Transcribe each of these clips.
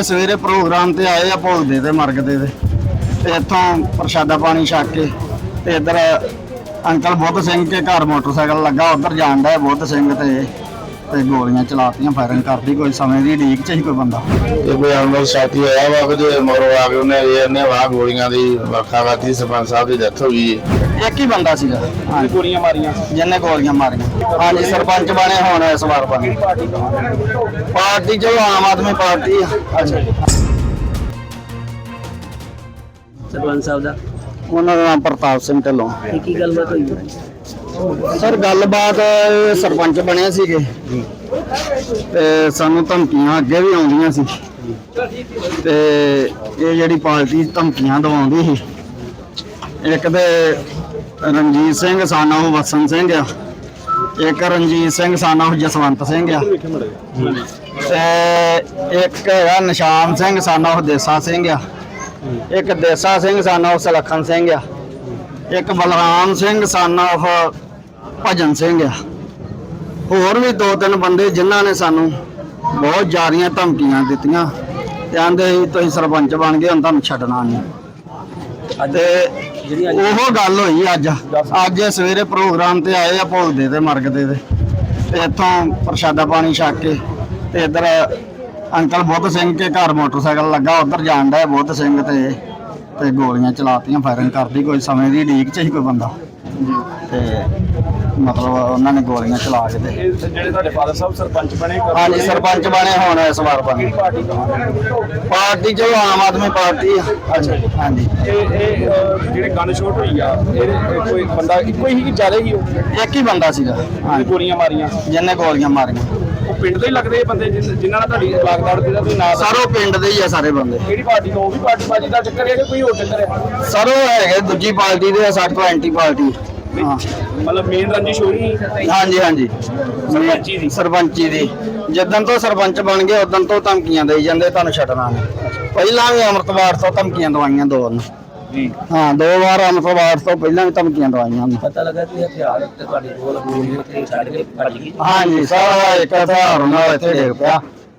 सवेरे प्रोग्राम ते आए भोगदे ते मरगदे ते इत्थों प्रशादा पानी छक के ते इधर अंकल बुद्ध सिंह के घर मोटरसाइकिल लगा उधर जान डा बुद्ध सिंह ते गोलियां चलातियां फायरिंग करती कोई समय की ढीक च ही कोई बंदा कोई अनमोल साथी आया वा कि मरो आ गए उन्हें वहां गोलियां दी वखा वाती सरपंच साहब की डेथ हो गई। एक ही बंदा सीगा गोलियां मारियां जिन्हें गोलियां मारियां। हाँ जी सरपंच बने होने इस बार बने पार्टी चलो आम आदमी पार्टी। अच्छा सरपंच साहब दा उन्होंने नाम प्रताप सिंह ढिल्लों। की गलबात हुई सर गलबात सरपंच बने सीगे ते सानू धमकियां अगे भी आउंदियां सी ते ये जिहड़ी पार्टी धमकियां दवाउंदी सी एक ते रणजीत सिंह सन ऑफ वसन सिंह आ एक रणजीत सिंह सन ऑफ जसवंत सिंह आ ते एक है निशान सिंह सन ऑफ देसा सिंह आ एक देसा सिंह सन ऑफ सलखन सिंह आ एक बलराम सिंह सन ऑफ भजन सिंह आ होर भी दो तीन बंदे जिन्हों ने सानू बहुत ज़्यादा धमकियां दित्तियां ते आंदे तुसीं सरपंच बन गए हुण तुहानूं छड्डना नहीं ते ओहो गल होई अज सवेरे प्रोग्राम ते आए भोगदे ते मरगदे ते इत्थों प्रशादा पानी छक के ते इधर अंकल बुद्ध सिंह के घर मोटरसाइकिल लगा उधर जान डा बुद्ध सिंह ते गोलियां चलातियां फायरिंग करती कोई समय की ढीक च ही कोई बंदा ते मतलब उन्होंने गोलियां चला के ਜਿਹੜੇ ਫਾਦਰ ਸਾਹਿਬ ਸਰਪੰਚ ਬਣੇ हाँ जी सरपंच बने होने इस बार बने पार्टी चलो आम आदमी पार्टी। अच्छा हाँ जी ਜਿਹੜੇ ਗਨ ਸ਼ਾਟ ਹੋਈ ਆ ਇਹ ਕੋਈ ਬੰਦਾ ਇੱਕੋ ਹੀ ਕਿ ਜ਼ਿਆਦਾ ਹੀ ਉਹ एक ही बंदा सीगा। हाँ ਗੋਲੀਆਂ ਮਾਰੀਆਂ जिन्हें गोलियां मारियां ਉਹ ਪਿੰਡ ਦੇ ਹੀ ਲੱਗਦੇ ਇਹ ਬੰਦੇ ਜਿਨ੍ਹਾਂ ਨਾਲ ਤੁਹਾਡੀ ਲਾਗਦਾਰ ਦੇ ਤੁਸੀਂ ਨਾਂ सारो पिंड दे ही है सारे बंदे ਕਿਹੜੀ ਪਾਰਟੀ ਤੋਂ ਉਹ ਵੀ ਪਾਰਟੀ ਬਾਜੀ ਦਾ ਚੱਕਰ ਹੈ ਕਿ ਕੋਈ ਹੋਰ ਚੱਕਰ ਹੈ सारो है दूजी पार्टी दे साढ़े तो एंटी पार्टी। हाँ ਮਤਲਬ ਮੇਨ ਰੰਜਿਸ਼ ਹੋਈ हाँ जी हाँ जी सरपंची दी। सरपंची दी जिदन तो सरपंच बन गए उदन तो धमकियां दे जांदे तुहानूं छड्डना नहीं पहला भी अमृतवार तो धमकियां दवाइयां दो ਜੀ हाँ दो बार अमृतवार तो पहला भी धमकियां दवाइयां पता लगा कि हथियार ते ਤੁਹਾਡੇ ਕੋਲ ਗੋਲੀਆਂ ਤੇ ਛੱਡ ਕੇ ਭੱਜ ਗਈ। हाँ जी सारा एक हथियार नाल इत्थे डिग पिया।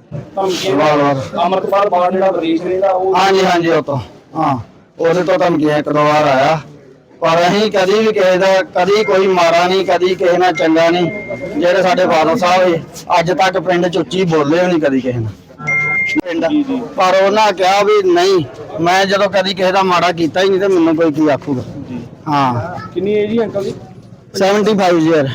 ਧਮਕੀਆਂ ਅਮਰਪਾਲ ਬਾੜ ਜਿਹੜਾ ਵਿਦੇਸ਼ ਰਹਿੰਦਾ ਉਹ हाँ जी हाँ जी वो तो हाँ ਉਹਦੇ ਤੋਂ ਧਮਕੀਆਂ ਇੱਕ ਦੋ ਵਾਰ ਆਇਆ ਪਰ ਅਸੀਂ ਕਦੀ ਵੀ ਕਿਸੇ ਦਾ ਕਦੀ ਕੋਈ ਮਾਰਾ ਨਹੀਂ ਕਦੀ ਕਿਸੇ ਨਾਲ ਚੰਗਾ ਨਹੀਂ ਜਿਹੜੇ ਸਾਡੇ ਫਾਦਰ ਸਾਹਿਬ ਅੱਜ ਤੱਕ ਪਿੰਡ ਚ ਉੱਚੀ ਬੋਲੇ ਵੀ ਨਹੀਂ ਕਦੀ ਕਿਸੇ ਨਾਲ ਪਿੰਡ ਪਰ ਉਹਨਾਂ ਕਿਹਾ ਵੀ ਨਹੀਂ ਮੈਂ ਜਦੋਂ ਕਦੀ ਕਿਸੇ ਦਾ ਮਾੜਾ ਕੀਤਾ ਹੀ ਨਹੀਂ ਤੇ ਮੈਨੂੰ ਕੋਈ ਕੀ ਆਖੂਗਾ। ਹਾਂ ਕਿੰਨੀ ਏਜ ਹੀ ਅੰਕਲ ਦੀ 75 ਈਅਰ।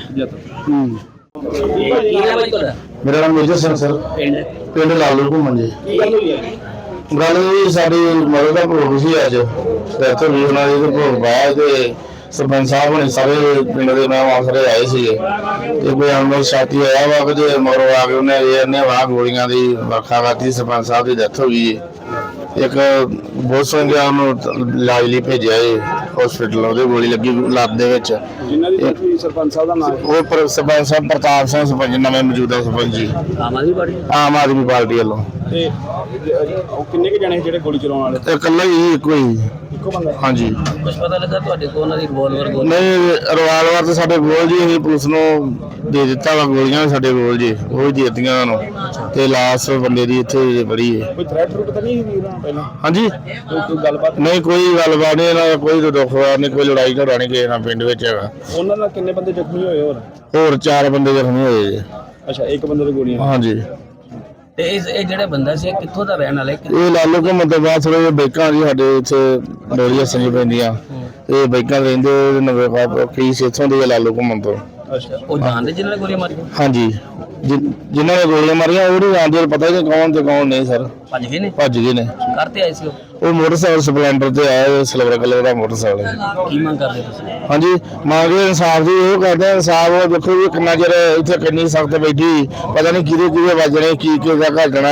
ਕੀ ਨਾਮ ਹੈ ਤੁਹਾਡਾ? मेरा नाम मेजर सिंह सर पिंड लालू घूमन जी। ਕੀ ਗੱਲ ਹੋਈ ਹੈ गल जी साडी मदद का भोग सी अज डेथ हो गई उन्होंने ते भोग पाया ते सरपंच साहब ने सारे पिंड के नाम आसरे आए थे ते कोई अनमोल साथी आया वा कि मरो आ गए उन्हें वहां गोलियां दी वखा वाती सरपंच साहब की डेथ हो गई। एक बहुत सिंह इलाज ਲਈ भेजा है हॉस्पिटल ਉਹਦੇ ਗੋਲੀ ਲੱਗੀ ਲੱਤ ਦੇ ਵਿੱਚ ਜਿਨ੍ਹਾਂ ਦੀ death ਹੋਈ ਸਰਪੰਚ ਸਾਹਿਬ ਦਾ ਨਾਮ ਉਹ ਸਰਪੰਚ ਸਾਹਿਬ ਪ੍ਰਤਾਪ ਸਿੰਘ ਸਰਪੰਚ ਨਵੇਂ ਮੌਜੂਦਾ ਸਰਪੰਚ ਜੀ ਆਮ ਆਦਮੀ ਪਾਰਟੀ। ਆਮ ਆਦਮੀ ਪਾਰਟੀ ਵੱਲੋਂ ਤੇ ਉਹ ਕਿੰਨੇ ਕੁ ਜਣੇ ਜਿਹੜੇ ਗੋਲੀ ਚਲਾਉਣ ਵਾਲੇ ਤੇ ਇਕੱਲਾ ਹੀ ਇੱਕੋ ਹੀ। ਇੱਕੋ ਬੰਦਾ ਹਾਂਜੀ ਕੁਝ ਪਤਾ ਲੱਗਾ ਤੁਹਾਡੇ ਕੋਲ ਉਹਨਾਂ ਦੀ ਰਿਵਾਲਵਰ ਗੋਲੀ? ਨਹੀਂ ਰਿਵਾਲਵਰ ਤੇ ਸਾਡੇ ਕੋਲ ਜੀ ਅਸੀਂ ਪੁਲਿਸ ਨੂੰ ਦੇ ਦਿੱਤਾ ਵਾ ਗੋਲੀਆਂ ਵੀ ਸਾਡੇ ਕੋਲ ਜੀ ਉਹ ਹੀ ਦੇ ਦਿੱਤੀਆਂ ਉਹਨਾਂ ਨੂੰ ਤੇ ਲਾਸ ਬੰਦੇ ਦੀ ਇੱਥੇ ਬੜੀ ਹੈ। ਕੋਈ ਥ੍ਰੈਟ ਰੂਟ ਤਾਂ ਨਹੀਂ ਸੀ ਉਹਨਾਂ ਨੂੰ ਪਹਿਲਾਂ ਹਾਂਜੀ ਕੋਈ ਗੱਲਬਾਤ ਨਹੀਂ ਕੋਈ ਗੱਲਬਾਤ ਨਹੀਂ ਇਹਨਾਂ ਦਾ ਕੋਈ ਦੁੱਖ ਨਹੀਂ ਕੋਈ ਲੜਾਈ ਝਗੜਾ ਨਹੀਂ ਕਿਸੇ ਨਾਲ ਪਿੰਡ ਵਿੱਚ ਹੈਗਾ। ਉਹਨਾਂ ਨਾਲ ਕਿੰਨੇ ਬੰਦੇ ਜ਼ਖਮੀ ਹੋਏ ਹੋਰ 4 ਬੰਦੇ ਜ਼ਖਮੀ ਹੋਏ ਜੀ। ਅੱਛਾ ਇੱਕ ਬੰਦੇ ਦੇ ਗੋਲੀਆਂ ਹਾਂਜੀ ਤੇ ਇਹ ਜਿਹੜਾ ਬੰਦਾ ਸੀ ਇਹ ਕਿੱਥੋਂ ਦਾ ਰਹਿਣ ਵਾਲਾ ਹੈ? ਇਹ ਲਾਲੂ ਘੁੰਮਣ ਤੋਂ ਬਾਅਦ ਥੋੜੇ ਜਿਹੇ ਬਾਈਕਾਂ ਜੀ ਸਾਡੇ ਇੱਥੇ ਡੋਲੀਆਂ ਸੰਜੀ ਪੈਂਦੀਆਂ ਇਹ ਬਾਈਕਾਂ ਰਹਿੰਦੇ ਨਵੇਂ ਕੇਸ ਇੱਥੋਂ ਦੇ ਲਾਲੂ ਘੁੰਮਣ ਤੋਂ। ਅੱਛਾ ਉਹ ਜਾਣਦੇ ਜਿਨ੍ਹਾਂ ਨੇ ਗੋਲੀਆਂ ਮਾਰੀਆਂ? ਹਾਂਜੀ ਜਿਨ੍ਹਾਂ ਨੇ ਗੋਲੀਆਂ ਮਾਰੀਆਂ ਉਹ ਨਹੀਂ ਜਾਣਦੇ ਪਤਾ ਨਹੀਂ ਕੌਣ ਤੇ ਕੌਣ ਨਹੀਂ ਸਰ ਭੱਜ ਗਏ ਨੇ? ਭੱਜ ਗਏ ਨੇ। ਕਰਤੇ ਆਏ ਸੀ ਉਹ ਮੋਟਰਸਾਈਕਲ ਸਪਲੈਂਡਰ ਤੇ ਆਇਆ ਸਿਲਵਰ ਕਲਰ ਦਾ ਮੋਟਰਸਾਈਕਲ ਹੈ। ਕੀ ਮੰਗ ਕਰਦੇ ਤੁਸੀਂ? ਹਾਂਜੀ ਮੰਗਦੇ ਇਨਸਾਫ ਦੀ ਉਹ ਕਰਦੇ ਇਨਸਾਫ ਉਹ ਦੇਖੋ ਵੀ ਕਿੰਨਾ ਚਿਰ ਇੱਥੇ ਕਿੰਨੀ ਸਖਤ ਬੈਠੀ ਪਤਾ ਨਹੀਂ ਕਿਹਦੇ ਵੱਜਣੇ ਕੀ ਦਾ ਘਟਣਾ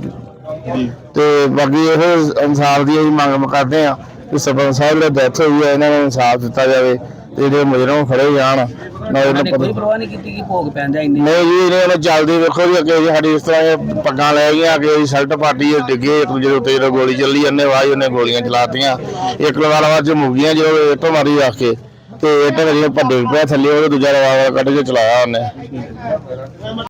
ਤੇ ਬਾਕੀ ਇਹ ਇਨਸਾਫ ਦੀ ਅਸੀਂ ਮੰਗ ਕਰਦੇ ਆ ਕਿ ਸਰਪੰਚ ਸਾਹਿਬ ਦੀ ਡੈਥ ਹੋਈ ਹੈ ਇਹਨਾਂ ਨੂੰ ਇਨਸਾਫ ਦਿੱਤਾ ਜਾਵੇ ਤੇ ਜਿਹੜੇ ਮੁਜਰਮ ਫੜੇ ਜਾਣ। ਕੋਈ ਪਰਵਾਹ ਨਹੀਂ ਕੀਤੀ ਕਿ ਭੋਗ ਪੈਂਦਾ ਇੰਨੇ? ਨਹੀਂ ਜੀ ਇਹਨੇ ਚੱਲਦੀ ਵੇਖੋ ਜੀ ਅੱਗੇ ਸਾਡੀ ਇਸ ਤਰ੍ਹਾਂ ਪੱਗਾਂ ਲੈ ਗਈਆਂ ਅੱਗੇ ਸ਼ਰਟ ਪਾਟੀ ਡਿੱਗੇ ਇੱਕ ਦੂਜੇ ਉੱਤੇ ਜਦੋਂ ਗੋਲੀ ਚੱਲੀ ਜਾਂਦੇ ਵਾਹ ਉਹਨੇ ਗੋਲੀਆਂ ਚਲਾਤੀਆਂ ਇੱਕ ਲਵਾਲਾ ਚ ਮੁੱਗੀਆਂ ਜੋ ਇੱਟੋਂ ਮਾਰੀ ਰੱਖ ਕੇ ਤੇ ਇੱਟ ਵਜੇ ਭੱਡੇ ਪਿਆ ਥੱਲੇ ਉਹ ਦੂਜਾ ਲਵਾਲਾ ਕੱਢ ਕੇ ਚਲਾਇਆ ਉਹਨੇ।